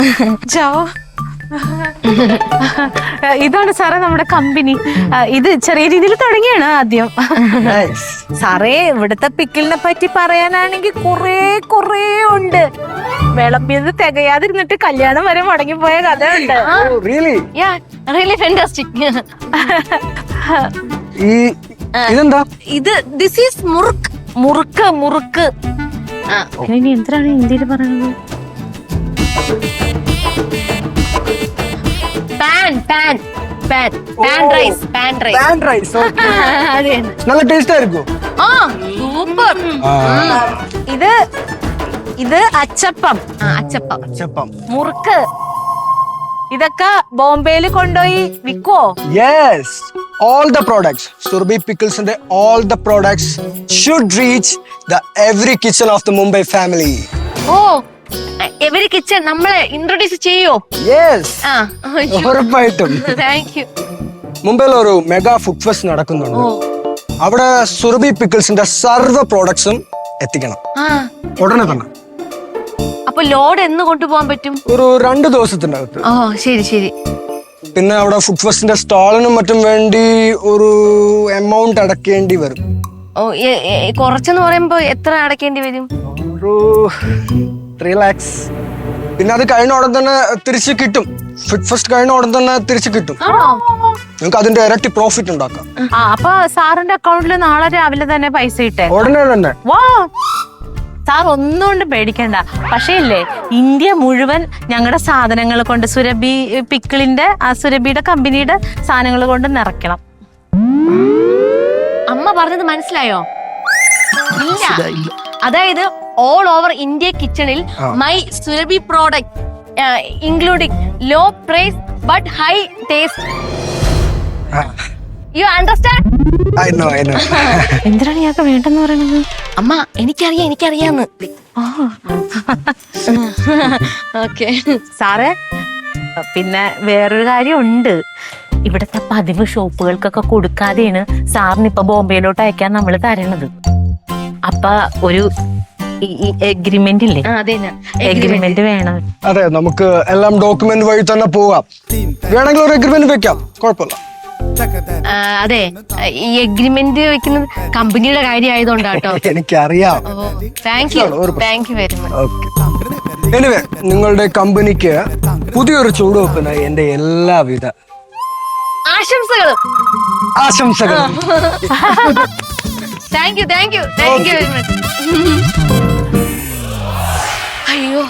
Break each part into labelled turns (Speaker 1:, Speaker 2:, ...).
Speaker 1: ചാവോ. ഇതാണ് സാറേ നമ്മുടെ കമ്പനി. ഇത് ചെറിയ രീതിയിൽ തുടങ്ങിയാണ് ആദ്യം. സാറേ ഇവിടുത്തെ പിക്കിളിനെ പറ്റി പറയാനാണെങ്കിൽ കുറേ ഉണ്ട്. വിളമ്പിയത് തികയാതിരുന്നിട്ട് കല്യാണം വരെ മുടങ്ങിപ്പോയ കഥയുണ്ട്. ഇത് ദിസ് ഈസ് മുറുക്ക്. ഇനി എന്തിനാണ് ഹിന്ദിയിൽ പറയുന്നത്?
Speaker 2: നല്ല ടേസ്റ്റ് ആയിരിക്കും.
Speaker 1: സൂപ്പർ. ഇത് അച്ചപ്പം. മുറുക്ക്. ഇതൊക്കെ ബോംബെയിൽ കൊണ്ടുപോയി വിൽക്കുവോ?
Speaker 2: Yes, all the products, Surabhi Pickles and all the products should reach the every kitchen of the Mumbai family.
Speaker 3: Every kitchen നമ്മളെ ഇൻട്രൊഡ്യൂസ് ചെയ്യോ?
Speaker 2: യെസ്, ഉറപ്പായിട്ടും.
Speaker 3: Thank you.
Speaker 2: മുംബൈയിൽ ഒരു മെഗാ ഫുഡ് ഫെസ്റ്റ് നടക്കുന്നുണ്ട്. അവിടെ സുരഭി പിക്കിൾസിന്റെ സർവ്വ പ്രോഡക്ട്സും എത്തിക്കണം ഉടനെ തന്നെ.
Speaker 3: അപ്പൊ ലോഡ് എന്ന് കൊണ്ടുപോകാൻ പറ്റും?
Speaker 2: ഒരു 2 ദിവസത്തിന്റെ അകത്ത്.
Speaker 3: ശരി.
Speaker 2: പിന്നെ അവിടെ ഫുഡ് ഫെസ്റ്റിന്റെ സ്റ്റാളിനും മറ്റും വേണ്ടി ഒരു എമൗണ്ട് അടക്കേണ്ടി വരും.
Speaker 3: കുറച്ചെന്ന് പറയുമ്പോ എത്ര അടക്കേണ്ടി വരും?
Speaker 2: ഒരു 3 lakhs. പിന്നെ അത് കഴിഞ്ഞ ഉടൻ തന്നെ തിരിച്ചു കിട്ടും. ഫുഡ് ഫെസ്റ്റ് കഴിഞ്ഞ ഉടൻ തന്നെ തിരിച്ചു കിട്ടും. നിങ്ങൾക്ക് അതിന്റെ ഇരട്ടി പ്രോഫിറ്റ് ഉണ്ടാക്കാം.
Speaker 1: അപ്പൊ സാറിന്റെ അക്കൗണ്ടിൽ നാളെ രാവിലെ തന്നെ പൈസ ഇട്ടേ?
Speaker 2: ഉടനെ തന്നെ.
Speaker 1: സാർ ഒന്നുകൊണ്ട് പേടിക്കണ്ട. പക്ഷേ ഇല്ലേ, ഇന്ത്യ മുഴുവൻ ഞങ്ങളുടെ സാധനങ്ങൾ കൊണ്ട്, സുരഭി പിക്കിളിന്റെ സുരഭിയുടെ കമ്പനിയുടെ സാധനങ്ങൾ കൊണ്ട് നിറയ്ക്കണം.
Speaker 3: അമ്മ പറഞ്ഞത് മനസ്സിലായോ? ഇല്ല. അതായത് ഓൾ ഓവർ ഇന്ത്യ കിച്ചണിൽ my Surabhi product including low price but high taste. You understand?
Speaker 1: എന്തിനാണ് ഞങ്ങൾക്ക് വേണ്ടെന്ന് പറയുന്നത്?
Speaker 3: അമ്മ എനിക്കറിയാന്ന്. ഓക്കെ
Speaker 1: സാറേ, പിന്നെ വേറൊരു കാര്യം ഉണ്ട്. ഇവിടത്തെ പതിവ് ഷോപ്പുകൾക്കൊക്കെ കൊടുക്കാതെയാണ് സാറിന് ഇപ്പൊ ബോംബെയിലോട്ട് അയക്കാൻ നമ്മൾ തരണത്. അപ്പൊ ഒരു എഗ്രിമെന്റ് ഇല്ലേ? എഗ്രിമെന്റ് വേണം.
Speaker 2: അതെ, നമുക്ക് എല്ലാം ഡോക്യുമെന്റ് വഴി തന്നെ പോവാം. വേണമെങ്കിൽ ഒരു എഗ്രിമെന്റ് വെക്കാം, കുഴപ്പമില്ല.
Speaker 3: അതെ, ഈ എഗ്രിമെന്റ് വെക്കുന്നത് കമ്പനിയുടെ കാര്യം ആയതുകൊണ്ടാട്ടോ.
Speaker 2: എനിക്കറിയാം.
Speaker 3: Thank you very much.
Speaker 2: Anyway, നിങ്ങളുടെ കമ്പനിക്ക് പുതിയൊരു ചുവടുവെപ്പിന് എന്റെ എല്ലാവിധ
Speaker 3: ആശംസകളും. Thank you very much. അയ്യോ,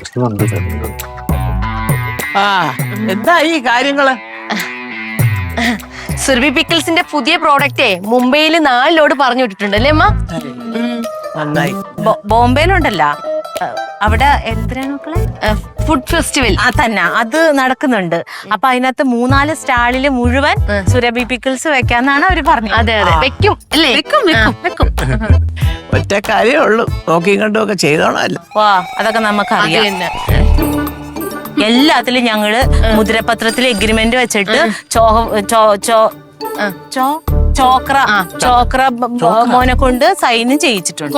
Speaker 4: എന്താ ഈ കാര്യങ്ങള്?
Speaker 3: സുരഭി പിക്കിൾസിന്റെ പുതിയ പ്രോഡക്റ്റേ മുംബൈയിൽ 4 ലോഡ് പറഞ്ഞു വിട്ടിട്ടുണ്ട് അല്ലേ അമ്മ?
Speaker 4: നന്നായി.
Speaker 1: ബോംബെയിലുണ്ടല്ല, അവിടെ എന്തിനാണ് മക്കളെ?
Speaker 3: ഫുഡ് ഫെസ്റ്റിവൽ
Speaker 1: തന്നെ, അത് നടക്കുന്നുണ്ട്. അപ്പൊ അതിനകത്ത് 3-4 സ്റ്റാളില് മുഴുവൻ സുരഭി പിക്കിൾസ് വെക്കാന്നാണ് അവര് പറഞ്ഞത്.
Speaker 3: അതെ, വെക്കും അല്ലേ?
Speaker 1: വെക്കും.
Speaker 4: ഒറ്റ കാര്യമേ ഉള്ളൂ, നോക്കിയും കണ്ടും ഒക്കെ ചെയ്തോണല്ലോ.
Speaker 1: അതൊക്കെ നമുക്കറിയാം. എല്ലാത്തിലും ഞങ്ങള് മുദ്രപത്രത്തിൽ എഗ്രിമെന്റ് വെച്ചിട്ട് ചോക്ര മോനെ കൊണ്ട് സൈനും ചെയ്യിച്ചിട്ടുണ്ട്.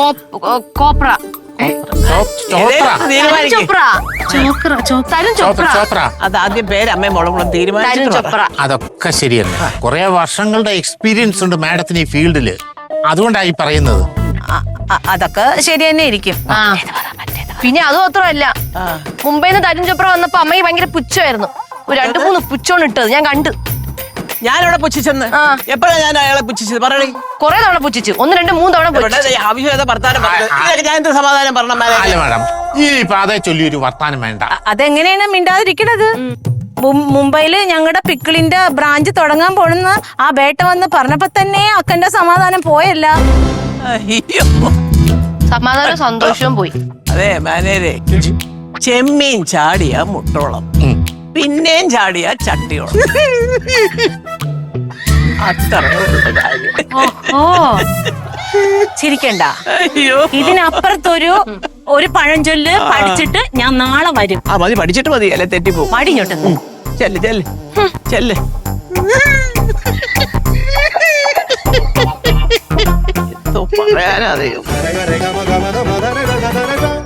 Speaker 4: അതാദ്യം പേര് അമ്മയും മോളും തീരുമാനിച്ചു.
Speaker 5: അതൊക്കെ ശരിയല്ല. കുറെ വർഷങ്ങളുടെ എക്സ്പീരിയൻസ് ഉണ്ട് മാഡത്തിന് ഈ ഫീൽഡില്, അതുകൊണ്ടായി പറയുന്നത്.
Speaker 1: അതൊക്കെ ശരി തന്നെ ഇരിക്കും.
Speaker 3: പിന്നെ അത് മാത്രമല്ല, മുംബൈന്ന് തരുൺ ചോപ്ര വന്നപ്പോ അമ്മയ്ക്ക് ഭയങ്കര പുച്ഛമായിരുന്നു. 2-3 പുച്ഛമാണ് ഇട്ടത് ഞാൻ കണ്ടു.
Speaker 4: ഞാനവിടെ പുച്ഛിച്ചെന്ന് എപ്പോഴാ ഞാൻ അയാളെ പുച്ഛിച്ചത്? പറയണേ.
Speaker 3: കുറെ തവണ പുച്ഛിച്ചു, 1, 2, 3 തവണ.
Speaker 4: ആവശ്യമില്ലാത്ത വർത്താനം ഞാൻ എന്ത് സമാധാനം പറഞ്ഞ
Speaker 5: മാഡം, ഈ പാതയെ ചൊല്ലി ഒരു വർത്താനം വേണ്ട.
Speaker 1: അതെങ്ങനെയാണ് മിണ്ടാതിരിക്കണത്? മുംബൈയില് ഞങ്ങളുടെ പിക്കിളിന്റെ ബ്രാഞ്ച് തുടങ്ങാൻ പോണെന്ന ആ ബേട്ട വന്ന് പറഞ്ഞപ്പോ തന്നെ അക്കന്റെ സമാധാനം പോയല്ല.
Speaker 3: സമാധാനം സന്തോഷവും പോയി.
Speaker 4: അതെ മാനേരെ, ചെമ്മീൻ ചാടിയ മുട്ടോളം, പിന്നെയും ചാടിയ ചട്ടിയോളം. അത്ര
Speaker 1: ചിരിക്കണ്ട. ഇതിനപ്പുറത്തൊരു പഴഞ്ചൊല്ല് പഠിച്ചിട്ട് ഞാൻ നാളെ വരും.
Speaker 4: മതി, പഠിച്ചിട്ട് മതി, അല്ലെ തെറ്റിപ്പോ.
Speaker 1: മടിഞ്ഞോട്ട്
Speaker 4: ചെല്ല്. പറയാനറിയോ?